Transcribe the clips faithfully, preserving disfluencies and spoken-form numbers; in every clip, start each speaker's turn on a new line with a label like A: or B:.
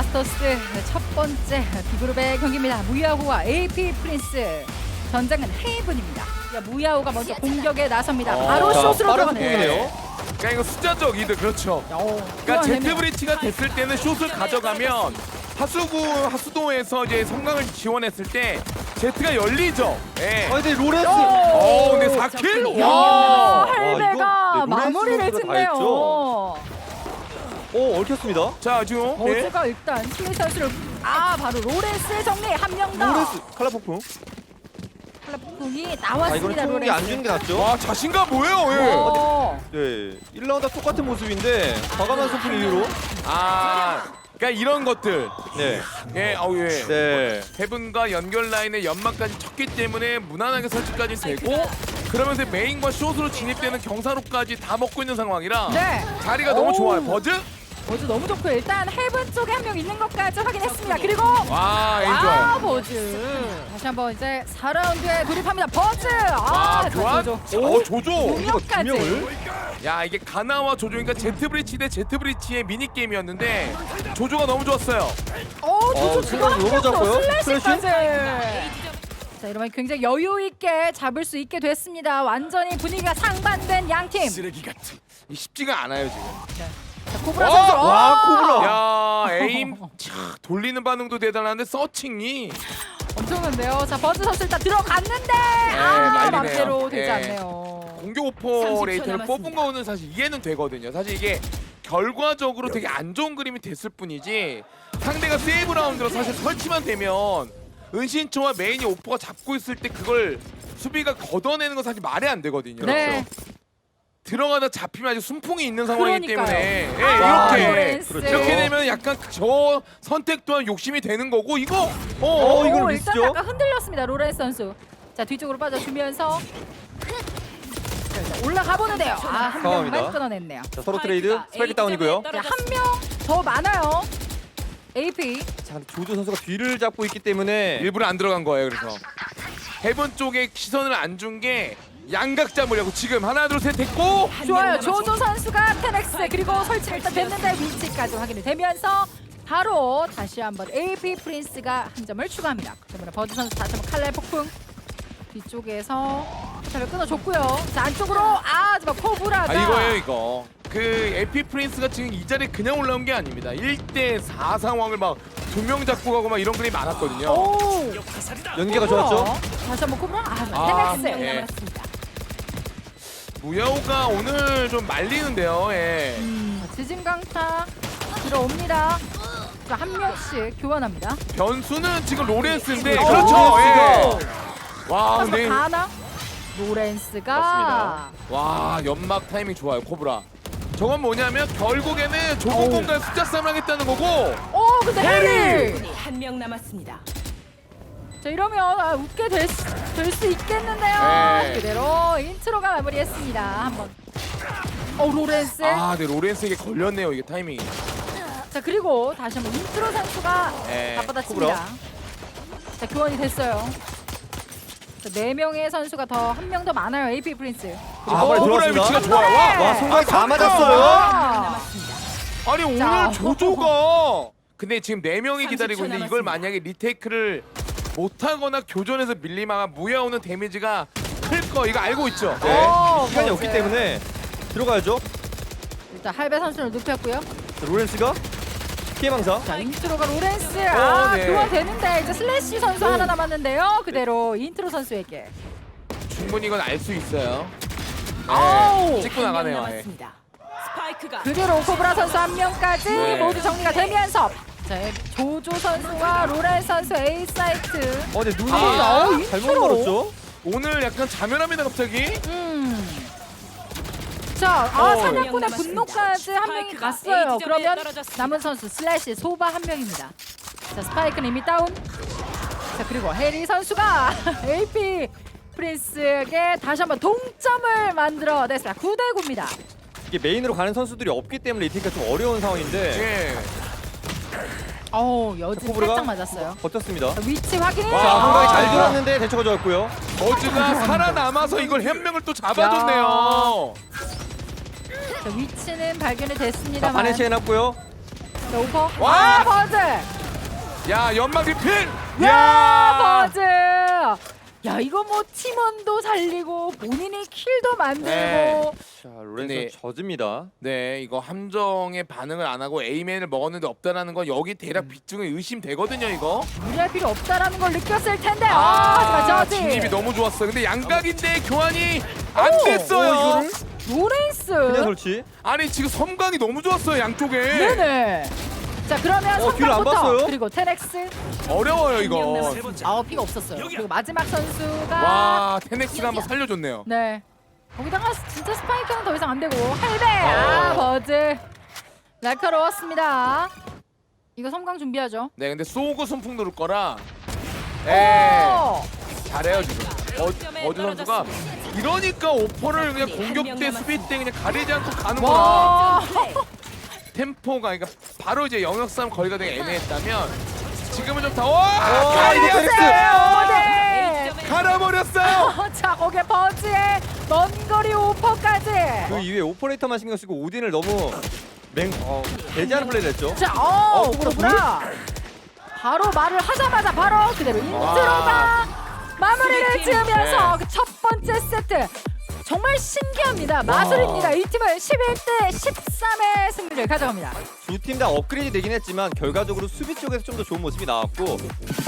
A: 마스터스 첫 번째 B그룹의 경기입니다. 무야호와 에이피 프린스. 전장은 헤이븐입니다. 자, 무야호가 먼저 공격에 나섭니다.
B: 어,
A: 바로
B: 자,
A: 숏으로
B: 빠른
A: 들어가네요.
B: 속도네요.
C: 그러니까 이거 숫자적 이득 그렇죠.
A: 어,
C: 그러니까
A: 그러네요.
C: 제트 브리치가 됐을 때는 숏을 가져가면 하수구 하수도에서 이제 성광을 지원했을 때 제트가 열리죠. 예.
B: 아 근데 로렌스.
C: 어, 근데 사 킬.
A: 야,
C: 와.
A: 할배가
B: 이거, 네,
A: 마무리를
B: 로렌스 선수가 다
A: 짓네요.
B: 했죠. 오 얽혔습니다.
C: 자 지금 예.
A: 버즈가 일단 스웨 선수를 아 바로 로렌스의 정리 한 명 더.
B: 로렌스 칼라 폭풍.
A: 칼라폭풍이
B: 아 이거는
A: 나왔습니다.
B: 총기
A: 로렌스.
B: 안 주는 게 낫죠.
C: 와 자신감 뭐예요? 예.
A: 어.
B: 네. 일 라운드와 똑같은 모습인데 과감한 소풍 이후로.
C: 아 그러니까 이런 것들.
B: 네.
C: 예, 어우 예.
B: 네.
C: 헤븐과 연결 라인에 연막까지 쳤기 때문에 무난하게 설치까지 되고 그러면서 메인과 숏으로 진입되는 경사로까지 다 먹고 있는 상황이라
A: 네.
C: 자리가 너무
A: 오.
C: 좋아요. 버즈?
A: 버즈 너무 좋고요. 일단 헤븐 쪽에 한 명 있는 것까지 확인했습니다. 그리고
C: 와, 에임
A: 아
C: 좋아요.
A: 버즈 다시 한번 이제 사 라운드에 돌입합니다. 버즈
C: 와,
A: 아
C: 교환?
A: 조조
C: 오, 조조.
A: 공격까지.
C: 야, 이게 가나와 조조니까 제트 브리치 대 제트 브리치의 미니 게임이었는데 조조가 너무 좋았어요.
A: 오 조조
B: 어,
A: 지금
B: 순간
A: 한명
B: 로고
A: 더
B: 잡고요.
A: 슬래시까지. 자 이러면 굉장히 여유 있게 잡을 수 있게 됐습니다. 완전히 분위기가 상반된 양 팀.
C: 쓰레기 같은. 이 쉽지가 않아요 지금.
A: 자, 코브라
C: 어!
A: 선수.
B: 와,
A: 어!
B: 코브라.
C: 야, 에임 차, 돌리는 반응도 대단한데 서칭이
A: 엄청난데요. 자 버즈 선수 일단 들어갔는데 아
C: 난리네요.
A: 맘대로 되지
C: 예.
A: 않네요.
C: 공격 오퍼레이터를 뽑은 거는 사실 이해는 되거든요. 사실 이게 결과적으로 되게 안 좋은 그림이 됐을 뿐이지 상대가 세이브 라운드로 사실 설치만 되면 은신초와 메인이 오퍼가 잡고 있을 때 그걸 수비가 걷어내는 건 사실 말이 안 되거든요.
A: 네.
C: 들어가다 잡히면 아주 순풍이 있는 상황이기
A: 그러니까요.
C: 때문에 예,
A: 아,
C: 이렇게
A: 로렌스.
B: 그렇죠.
C: 이렇게 되면 약간 저 선택 또한 욕심이 되는 거고 이거 어,
B: 어,
C: 어
B: 이걸
A: 오,
B: 미스죠?
A: 일단 약간 흔들렸습니다. 로렌스 선수. 자 뒤쪽으로 빠져주면서 자, 일단 올라가 보는데요. 아한 명만
B: 상황입니다.
A: 끊어냈네요.
B: 자 서로 트레이드 스파이크 다운이고요.
A: 한 명 더 많아요. 에이피.
B: 자 근데 조조 선수가 뒤를 잡고 있기 때문에
C: 일부러 안 들어간 거예요. 그래서 헤븐 쪽에 시선을 안 준 게 양각 잡으려고 지금 하나 둘 셋 됐고
A: 좋아요. 조조 선수가 텐엑스 그리고 설치를 일단 됐는데 위치까지 확인이 되면서 바로 다시 한번 에이피 프린스가 한 점을 추가합니다. 그러면 버즈 선수 다시 한번 칼날 폭풍 뒤쪽에서 포탑을 끊어줬고요. 자 안쪽으로 아 정말 코브라가
C: 아 이거예요 이거 그 에피 프린스가 지금 이 자리에 그냥 올라온 게 아닙니다. 일 대 사 상황을 막 두 명 잡고 가고 막 이런 그림이 많았거든요.
A: 오
B: 연계가 좋았죠.
A: 다시 한번 코브라 아,
C: 아,
A: 테넥스
C: 예.
A: 남았습니다.
C: 무야호가 오늘 좀 말리는데요. 예.
A: 음, 지진강타 들어옵니다. 자, 한 명씩 교환합니다.
C: 변수는 지금 로렌스인데
A: 어,
C: 그렇죠.
B: 로렌스가.
C: 예. 와
A: 하지만
C: 근데
A: 가나 로렌스가
B: 맞습니다.
C: 와 연막 타이밍 좋아요 코브라. 저건 뭐냐면 결국에는 좁은
A: 어우.
C: 공간 숫자 싸움 하겠다는 거고
A: 오 근데 해리
D: 분이 한 명 남았습니다.
A: 자 이러면 아, 웃게 될 수 있겠는데요.
C: 네.
A: 그대로 인트로가 마무리했습니다. 한번 어 로렌스
C: 아네 로렌스에게 걸렸네요 이게 타이밍이.
A: 자 그리고 다시 한번 인트로 선수가
C: 네,
A: 맞받아칩니다. 자 교환이 됐어요. 자, 네 명의 선수가 더 한 명 더 많아요. 에이피 프린스.
B: 아,
C: 어,
B: 빨리
C: 코브라의
B: 들어왔습니다.
C: 위치가 좋아요. 와,
B: 와 손가락 다
C: 아,
B: 맞았어요.
A: 아,
D: 남았습니다.
C: 아니 오늘
A: 자.
C: 조조가 근데 지금 네 명이 기다리고
D: 삼십 초
C: 있는데 이걸
D: 남았습니다.
C: 만약에 리테이크를 못하거나 교전에서 밀리면 무야오는 데미지가 클 거 이거 알고 있죠?
B: 네.
A: 어,
B: 시간이
A: 맞아요.
B: 없기 때문에 들어가야죠.
A: 일단 할배 선수를 눕혔고요.
B: 자, 로렌스가 피해망사.
A: 자 인트로가 로렌스 아
C: 네.
A: 교환되는데 이제 슬래시 선수 하나 남았는데요. 그대로 인트로 선수에게.
C: 충분히 이건 알 수 있어요.
A: 아우,
C: 네, 찍고
D: 한 명
C: 나가네요. 예.
D: 남았습니다. 스파이크가
A: 그대로 코브라 선수 한 명까지
C: 네.
A: 모두 정리가 되면서 자 조조 선수와 로렌 선수 A 사이트.
B: 어 근데 눈이
A: 아, 어,
B: 잘못
A: 인트로.
B: 멀었죠.
C: 오늘 약간 자멸합니다 갑자기.
A: 음. 자, 아
C: 어.
A: 사냥꾼의 분노까지 한 명이
D: 스파이크가
A: 갔어요.
D: A 지점에
A: 그러면
D: 떨어졌습니다.
A: 남은 선수 슬래시 소바 한 명입니다. 자 스파이크는 이미 다운. 자 그리고 해리 선수가 에이피 프린스에게 다시 한번 동점을 만들어냈습니다. 구 대 구입니다.
B: 이게 메인으로 가는 선수들이 없기 때문에 리테이크가 좀 어려운 상황인데
C: 예.
A: 어우 여진
B: 코브라가
A: 살짝 맞았어요.
B: 버텼습니다.
A: 자, 위치 확인.
B: 자
C: 와.
B: 한방이 잘 들어왔는데 대처가 좋았고요.
C: 버즈가 살아남아서 이걸 한 명을 또 잡아줬네요.
A: 자, 위치는 발견이
B: 자
A: 됐습니다만.
B: 바네시 해놨고요.
A: 자, 오퍼.
C: 와!
A: 아, 버즈.
C: 야 연막 리필.
A: 야, 버즈. 야, 이거 뭐 팀원도 살리고 본인이 킬도 만들고.
C: 네.
B: 자, 로렌스
C: 근데-
B: 젖습니다.
C: 네, 이거 함정에 반응을 안 하고 A맨을 먹었는데 없다라는 건 여기
A: 음.
C: 대략 빗중에 의심되거든요, 이거.
A: 무리할 필요 없다라는 걸 느꼈을 텐데. 아, 하지만 저지.
C: 진입이 너무 좋았어요. 근데 양각인데 교환이 안
A: 오!
C: 됐어요.
B: 어, 이거를?
A: 로렌스.
B: 그냥 설치.
C: 아니 지금 섬광이 너무 좋았어요, 양쪽에.
A: 네네. 자, 그러면
B: 어, 뒤를 안
A: 선방부터
B: 봤어요?
A: 그리고 테넥스.
C: 어려워요, 이거.
A: 아우, 피가 없었어요. 그리고 마지막 선수가
C: 와, 테넥스가 한번 살려줬네요.
A: 네. 거기다가 진짜 스파이크는 더 이상 안 되고 할배. 아, 버즈. 날카로웠습니다. 이거 섬광 준비하죠.
C: 네, 근데 쏘고 손풍 누를 거라. 네,
A: 오!
C: 잘해요 지금. 어, 어즈 선수가 이러니까 오퍼를 그냥 공격 때 수비 때 그냥 가리지 않고 가는구나.
A: 와.
C: 템포가 그러니까 바로 이제 영역 싸움 거리가 되게 애매했다면 지금은 좀 더. 와!
B: 어,
C: 가리지
A: 네.
C: 갈아버렸어요.
A: 자, 거기에 버즈의 먼 거리 오퍼까지.
B: 그 이후에 오퍼레이터만 신경 쓰고 오딘을 너무 맹 어, 배제하는 플레이를 했죠.
A: 자, 어,
B: 어,
A: 오브라. 바로 말을 하자마자 바로 그대로 인트로가 마무리를
D: 수비팀.
A: 지으면서
C: 네.
A: 그 첫 번째 세트. 정말 신기합니다. 마술입니다. 이 팀은 십일 대 십삼의 승리를 가져갑니다.
B: 두 팀 다 업그레이드 되긴 했지만 결과적으로 수비 쪽에서 좀 더 좋은 모습이 나왔고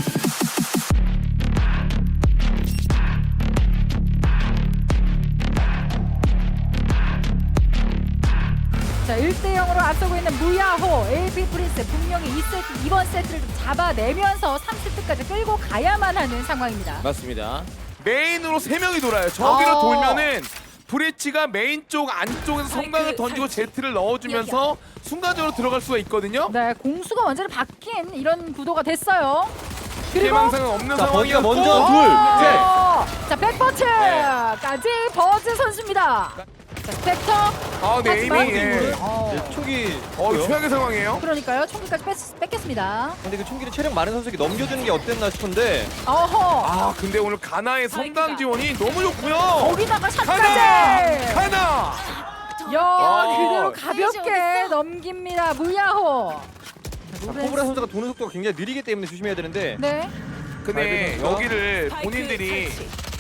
A: 자, 일 대 영으로 앞서고 있는 무야호 에이피 프린스 분명히 이 세트, 이번 세트를 좀 잡아내면서 삼 세트까지 끌고 가야만 하는 상황입니다.
C: 맞습니다. 메인으로 세 명이 돌아요. 저기로
A: 어.
C: 돌면은 브레치가 메인 쪽 안쪽에서 성광을 던지고 제트를 넣어주면서 순간적으로 들어갈 수가 있거든요.
A: 네, 공수가 완전히 바뀐 이런 구도가 됐어요. 그리고
C: 피해망상은 없는
B: 자, 버기가
C: 상황이었고
B: 먼저 둘,
A: 어, 자, 백버트까지 버즈 선수입니다. 자, 스펙터.
C: 아, 네,
A: 하지만
C: 에이밍. 예.
A: 어,
B: 이제 총기
C: 어,
B: 있고요.
C: 최악의 상황이에요.
A: 그러니까요. 총기까지 뺐, 뺏겼습니다.
B: 근데 그 총기를 체력 많은 선수에게 넘겨주는 게 어땠나 싶은데
A: 어허.
C: 아, 근데 오늘 가나의 성강 지원이 너무 좋고요.
A: 거기다가
C: 가나!
A: 샷까지.
C: 가나!
A: 야,
C: 아.
A: 그대로 가볍게 넘깁니다. 무야호.
B: 자, 코브라 선수가 도는 속도가 굉장히 느리기 때문에 조심해야 되는데
A: 네.
C: 근데
B: 알겠습니다.
C: 여기를 본인들이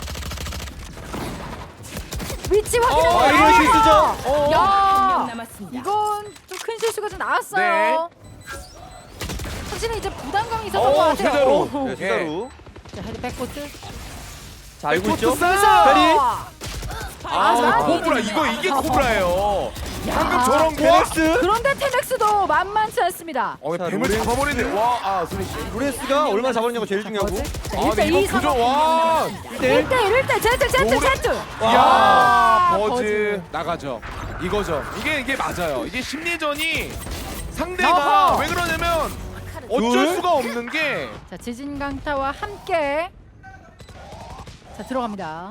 A: 위치
C: 어,
A: 확인했어요.
B: 아, 이거 실수죠?
C: 어.
A: 야,
D: 한명 남았습니다.
A: 이건 좀 큰 실수가 좀 나왔어요.
C: 네.
A: 확실히 이제 부담감이 있었던
C: 어,
A: 것 같아요.
C: 세자로.
A: 오.
B: 네, 수다루
A: 자, 헤드 백코트.
B: 자 알고 있죠?
C: 백코트 싸움!
B: 페리!
C: 아,
A: 아,
C: 코브라 이거 이게 코브라예요. 방금 저런 거.
B: 테넥스!
A: 그런데 테넥스도 만만치 않습니다.
C: 어,
B: 자,
C: 뱀을
B: 로렌스.
C: 잡아버리네. 와, 아, 소리 씨.
B: 로렌스가 얼마나 잡았냐고 제일 중요하고
A: 자,
C: 아,
A: 일 대
C: 근데
A: 이
C: 이거 그죠?
A: 상황.
C: 와.
B: 일 대 일.
A: 일 대 일, 일 대 제트, 제트,
C: 노래-
A: 제트.
B: 와.
C: 야,
A: 아,
C: 버즈
A: 버즈.
C: 나가죠. 이거죠. 이게 이게 맞아요. 이게 심리전이 상대가
A: 어허.
C: 왜 그러냐면 어쩔
B: 둘.
C: 수가 없는 게
A: 자, 지진 강타와 함께 자, 들어갑니다.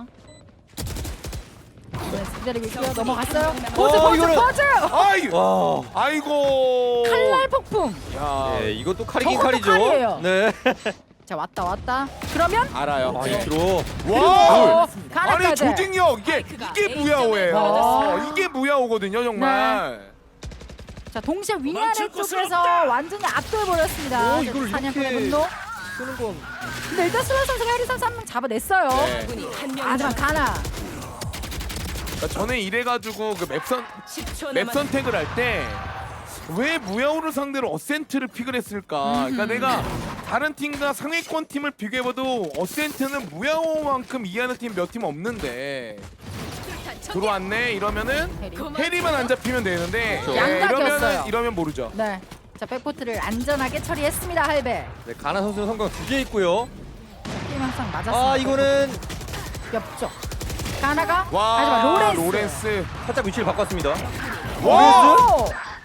A: 네, 기다리고 있고요. 넘어갔어요. 버즈,
B: 어,
A: 버즈,
B: 이거는-
A: 버즈.
C: 아이,
B: 와.
C: 아이고.
A: 칼날 폭풍.
C: 야,
B: 네, 이것도 칼이긴
A: 저것도
B: 칼이죠.
A: 칼이에요.
B: 네.
A: 자, 왔다, 왔다. 그러면
C: 알아요.
B: 아, 인트로.
C: 와.
A: 어,
C: 아니
A: 가나까지.
C: 조직력 이게
D: 스파이크가
C: 이게
D: A점에
C: 무야호예요.
A: 떨어졌습니다.
C: 이게 무야호거든요, 정말.
A: 자, 동시에 위아래 쪽에서 완전히 압도해버렸습니다.
B: 오, 이걸
A: 사냥꾼의
B: 이렇게-
A: 분노.
B: 쓰는 건
A: 근데 일단 수월 선수가 해리 선수 한 명 잡아냈어요.
C: 네.
D: 분이 한명
A: 하지만 가나.
C: 그러니까 저는 이래가지고 그 맵선
D: 십 초
C: 맵
D: 남았습니다.
C: 선택을 할 때 왜 무야호를 상대로 어센트를 픽을 했을까? 그러니까 내가 다른 팀과 상위권 팀을 비교해봐도 어센트는 무야호만큼 이해하는 팀 몇 팀 없는데 들어왔네 이러면은
A: 해리.
C: 해리만 안 잡히면 되는데
B: 그렇죠.
C: 예,
A: 양각이었어요.
C: 이러면은 이러면 모르죠.
A: 네. 자, 백포트를 안전하게 처리했습니다. 할배.
B: 네, 가나 선수는 성공 두 개 있고요.
A: 게임 항상 맞았습니다.
B: 아 이거는
A: 옆쪽. 가나가.
C: 와
A: 하지만 로렌스.
C: 로렌스.
B: 살짝 위치를 바꿨습니다.
C: 와
A: 오!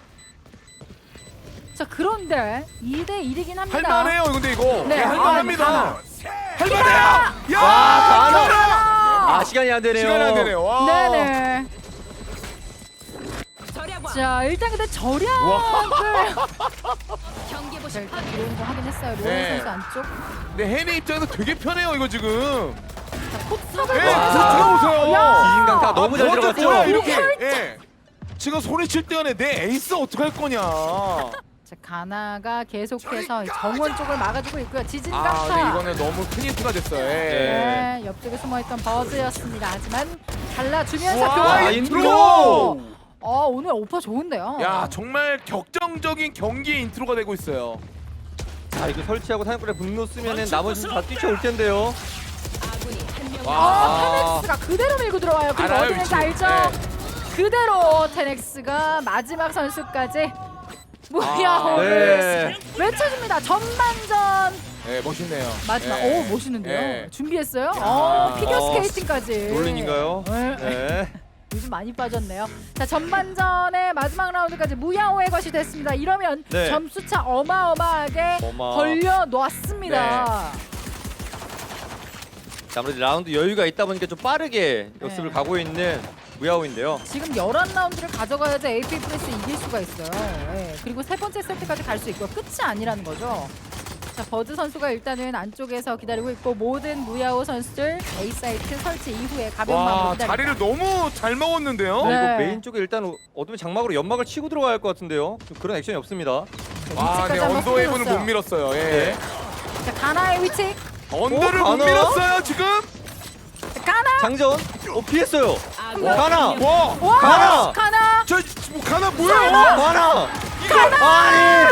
A: 자, 그런데 이 대 일이긴 합니다.
C: 할만해요 근데 이거.
A: 네,
C: 네, 할만합니다.
A: 할만합니다.
C: 할만해요. 야
B: 와, 가나.
C: 가나.
B: 아 시간이 안 되네요.
C: 시간이 안 되네요. 와.
A: 네네.
D: 절약왕.
A: 자, 일단 근데 절약을
D: 경기
A: 자,
D: 보실
A: 일단 들어온 거 확인했어요. 로렌스
C: 네.
A: 선수 안쪽.
C: 근데 해리 입장에서 되게 편해요 이거 지금.
A: 자, 포탑을
C: 네,
A: 봐.
C: 들어오세요.
A: 야!
B: 지진강타 너무 잘
C: 아,
B: 들어갔죠?
C: 뭐야, 이렇게.
A: 살짝.
C: 예. 지금 소리 칠 때간에 내 에이스 어떡할 거냐.
A: 자, 가나가 계속해서 정원 쪽을 막아주고 있고요. 지진
C: 아
A: 강타.
C: 근데 이거는 너무 큰 힌트가 됐어요. 예.
A: 네, 옆쪽에 숨어있던 버즈였습니다. 하지만 갈라주면서
C: 와,
A: 교환
B: 아,
A: 인트로.
B: 인트로!
A: 어, 오늘 오퍼 좋은데요.
C: 야 정말 격정적인 경기의 인트로가 되고 있어요.
B: 자 이거 설치하고 사냥꾼의 분노 쓰면은 나머지 다 뛰쳐올 텐데요.
D: 아군이 한명
C: 와.
A: 어, 테넥스가 그대로 밀고 들어와요. 그리고
C: 알아요,
A: 어디 있는지
C: 위치.
A: 알죠?
C: 네.
A: 그대로 테넥스가 마지막 선수까지 무야호를
B: 네.
A: 외쳐줍니다. 전반전
C: 네 멋있네요.
A: 마지막.
C: 예.
A: 오, 멋있는데요.
C: 예.
A: 준비했어요?
C: 야.
A: 어, 피겨
B: 어,
A: 스케이팅까지.
B: 롤린인가요?
A: 네.
B: 네.
A: 요즘 많이 빠졌네요. 자, 전반전의 마지막 라운드까지 무야호의 것이 됐습니다. 이러면
B: 네.
A: 점수차 어마어마하게
B: 어마.
A: 벌려 놓았습니다.
B: 자, 아무래도 라운드 여유가 있다 보니까 좀 빠르게 역습을
A: 네.
B: 가고 있는 무야호인데요.
A: 지금 열한 라운드를 가져가야지 에이피 프레스 이길 수가 있어요. 예. 그리고 세 번째 세트까지 갈 수 있고 끝이 아니라는 거죠. 자, 버즈 선수가 일단은 안쪽에서 기다리고 있고 모든 무야호 선수들 A 사이트 설치 이후에 가벼운 마음으로
C: 와
A: 기다립니다.
C: 자리를 너무 잘 먹었는데요.
A: 네.
B: 이거 메인 쪽에 일단 어둠의 장막으로 연막을 치고 들어가야 할 것 같은데요. 좀 그런 액션이 없습니다.
C: 와,
A: 위치까지
C: 네
A: 한번
C: 언더웨이브는
A: 흔들었어요.
C: 못 밀었어요. 예.
B: 네.
A: 자, 가나의 위치.
C: 언더를
B: 어,
C: 못
B: 가나?
C: 밀었어요 지금.
A: 자, 가나.
B: 장전. 어 피했어요.
D: 아군이
B: 가나!
D: 한명
C: 와,
A: 와,
B: 가나!
A: 가나.
C: 저 뭐, 가나 뭐야?
B: 가나. 아니.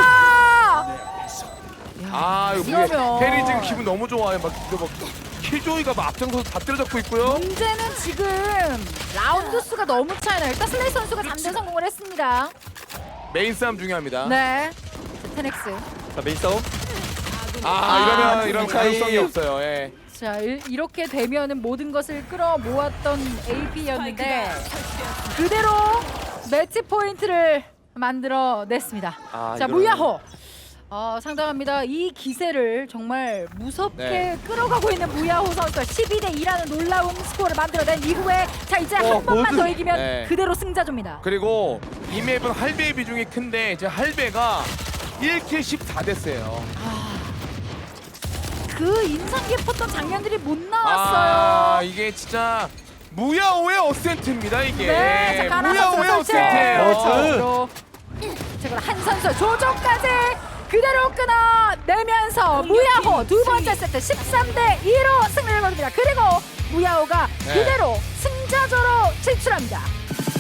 C: 아 이거
A: 이러면-
C: 뭐 페리 지금 기분 너무 좋아요. 막 이거 막 킬조이가 막 앞장서서 다 때려잡고 있고요.
A: 문제는 지금 라운드 수가 너무 차이나요. 일단 슬레이 선수가 잠재 성공을 했습니다.
C: 메인 싸움 중요합니다.
A: 네. 자, 테넥스.
B: 자 메인 싸움.
C: 아,
A: 아,
C: 이러면 이런
B: 차이.
C: 가능성이 없어요. 예.
A: 자, 일, 이렇게 되면은 모든 것을 끌어 모았던 에이피였는데
D: 설치되었습니다.
A: 그대로 매치 포인트를 만들어 냈습니다.
B: 아,
A: 자,
B: 이거는-
A: 무야호. 어, 상당합니다. 이 기세를 정말 무섭게
C: 네.
A: 끌어가고 있는 무야호 선수가 십이 대 이라는 놀라운 스코어를 만들어낸 이후에 자, 이제
B: 어,
A: 한 번만
B: 모두-
A: 더 이기면
C: 네.
A: 그대로 승자조입니다.
C: 그리고 이 맵은 할배의 비중이 큰데 이제 할배가 일 킬 십사 대스예요.
A: 그 인상 깊었던 장면들이 못
C: 아,
A: 나왔어요.
C: 이게 진짜 무야호의 어센트입니다 이게.
A: 네, 자, 가나 선수
C: 무야호의
A: 설치.
C: 어센트예요.
B: 어, 저-
A: 그리고 자, 그럼 한 선수 조정까지 그대로 끊어내면서 무야호 두 번째 세트 십삼 대 이로 승리를 거둡니다. 그리고 무야호가
C: 네.
A: 그대로 승자조로 진출합니다.